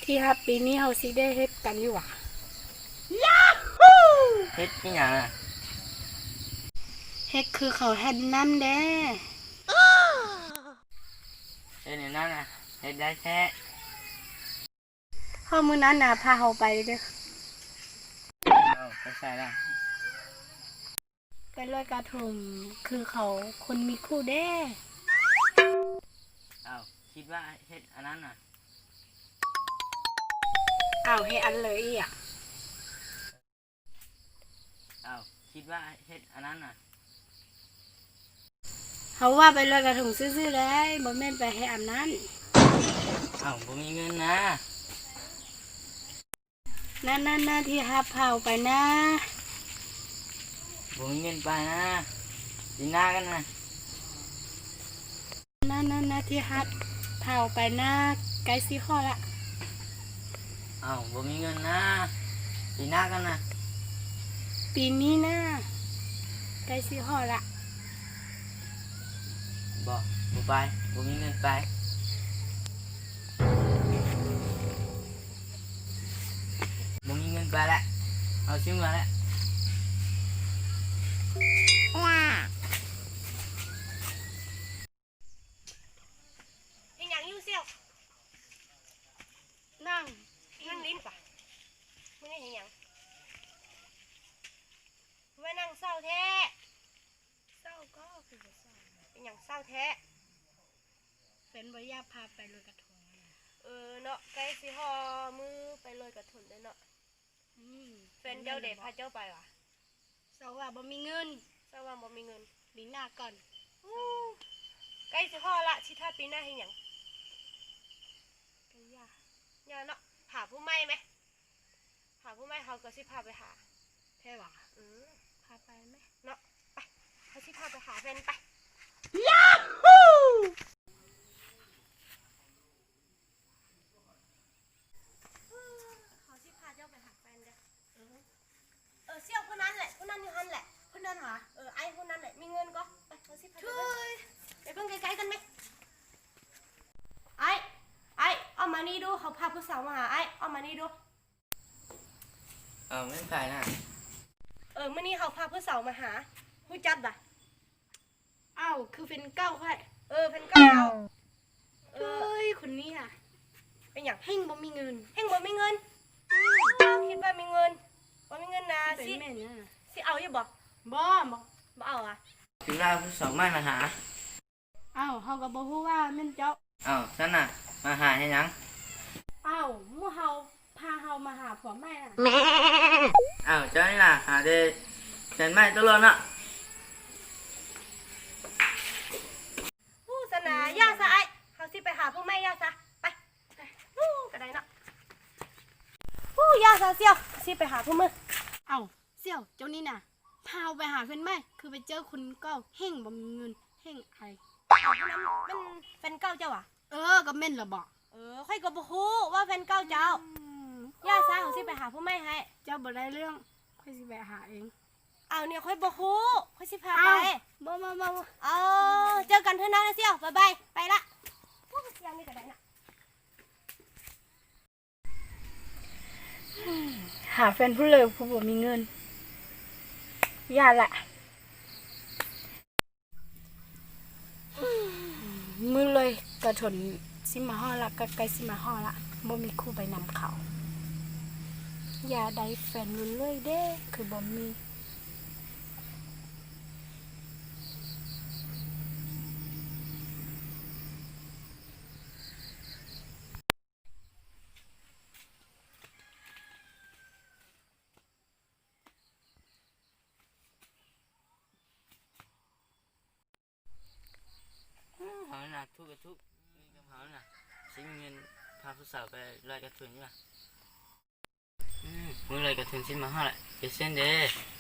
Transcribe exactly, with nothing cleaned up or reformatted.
ที่ฮับปีนี้เฮาสิได้เฮ็ดกันอยู่หว่ะเฮ็ดนี่หยังอ่ะเฮ็ดคือเขาเฮ็ดน้ำเด้เฮ็ดในนั้นน่ะเฮ็ดได้แท้เฮามื้อนั้นน่ะพาเฮาไปเด้อเอาไปใส่ละไปลอยกระทงคือเขาคนมีคู่เด้เอาคิดว่าเฮ็ดอันนั้นน่ะอ้าวให้อันเลยอีอ่ะเอาคิดว่าเฮ็ดอันนั้นน่ะเฮาว่าไปลอยกระทงซื่อๆเลยบ่แม่นไปให้อันนั้นเอาบ่มีเงินนะนั่นๆๆที่ฮับเฮาไปนะบ่มีเงินไปนะดีหน้ากันนะนั่นๆๆที่ฮับเฮาไปนะไกลสิฮอดละเอาบ่มีเงินนะดีหน้ากันนะปีนี้นะไกลสิฮอดละบ่บ่ไปบ่มีเงินไปบ่มีเงินไปแล้วเอาซื้อมาแล้วว้าเอ็งยังอยู่เสี่ยวนั่งนั่งลิ้นป่ะไม่ได้เห็นยังไว้นั่งเศร้าแท้เศร้าก็คือบ่เศร้าเป็นอย่างเศร้าแท้เป็นบ่อยากพาไปลอยกระทงเออเนาะใกล้สิฮอมือไปลอยกระทงได้เนาะอืมแฟนเจ้าเด็กพาเจ้าไปวะเศร้าว่าบ่มีเงินเศร้าว่าบ่มีเงินปีหน้าก่อนใกล้สิฮอละชิท่าปีหน้าเห็นอย่างก็ยากยาเนาะหาผู้ไม่ไหมหาผู้ไม่เขาก็สิพาไปหาแค่ว่าอือพาไปไหมเนาะไปเขาสิพาไปหาแฟนไปยาฮูเขาสิพาเจ้าไปหาแฟนเด้อเออเออเสี่ยวคนนั้นแหละคนนั้นอยู่หันแหละคนนั้นหรอเออไอ้คนนั้นแหละมีเงินก็ไปเขาสิพาเจ้าไปไปเพิ่งไกลๆกันไหมไอ้ไอ้เอามานี่ดูเขาพาผู้สาวมาหาไอ้เอามานี่ดูเอาไม่ไปนะเออเมื่อนี้เขาพาผู้สาวมาหาผู้จัดบ่ะอ้าวคือเป็นเก้าค่อยเออเป็นเก้าเอ้ยคนนี้อ่ะเป็นอย่างเฮงบ่มีเงินเฮงบ่มีเงินคิดว่ามีเงินบ่มีเงินนะสิสิแม่นน่ะสิเอาอยู่บ่บ่บ่บ่เอาอ่ะถึงเราผู้สองไม่มาหาอ้าวเฮาก็บ่ฮู้ว่าแม่นเจ้าเอาฉันน่ะมาหาให้หยังอ้าวหมู่เฮาพาเฮามาหาผัวแม่น่ะเอาเจ้านี่น่ะหาได้ฉันไม่ตลอดน่ะผู้สนาย่าซะไอ้เขาสิไปหาผู้แม่ย่าซะไปฮู้ก็ได้เนาะฮู้ย่าซะเสี่ยวสิไปหาผู้มืออ้าวเสี่ยวเจ้านี่น่ะพาเฮาไปหาแฟนแม่คือไปเจอคนเก้าเฮงบ่มีเงินเฮงไอเอาคนนั้นเป็นแฟนเก่าเจ้าอ่ะเออก็แม่นล่ะบ่เออค่อยก็บ่ฮู้ว่าแฟนเก่าเจ้าย่าซะเขาสิไปหาผู้แม่ให้เจ้าบ่ได้เรื่องค่อยสิไปหาเองเอาเนี่ยค่อยบ่ฮู้ค่อยสิพาไปบ่บ่บ่เอาเจอกันเถอะนะเสี่ยวบ๊ายบายไปละพวกเสี่ยวนี่ก็ได้นะหาแฟนผู้เลยผู้บ่มีเงินย่าละมือเลยกระถนสิมาฮอละก็ไกลสิมาฮอละบ่มีคู่ไปนำเขาอย่าได้แฟนรุ่นเลยเด้คือบ่มีเขาน่ะทุกข์กับทุกข์นี่กับเขาน่ะสิเงินพาผู้สาวไปลอยกระทงนี่ล่ะอืมมึงลอยกระทงสิมาหาแหละเปเส้นเด้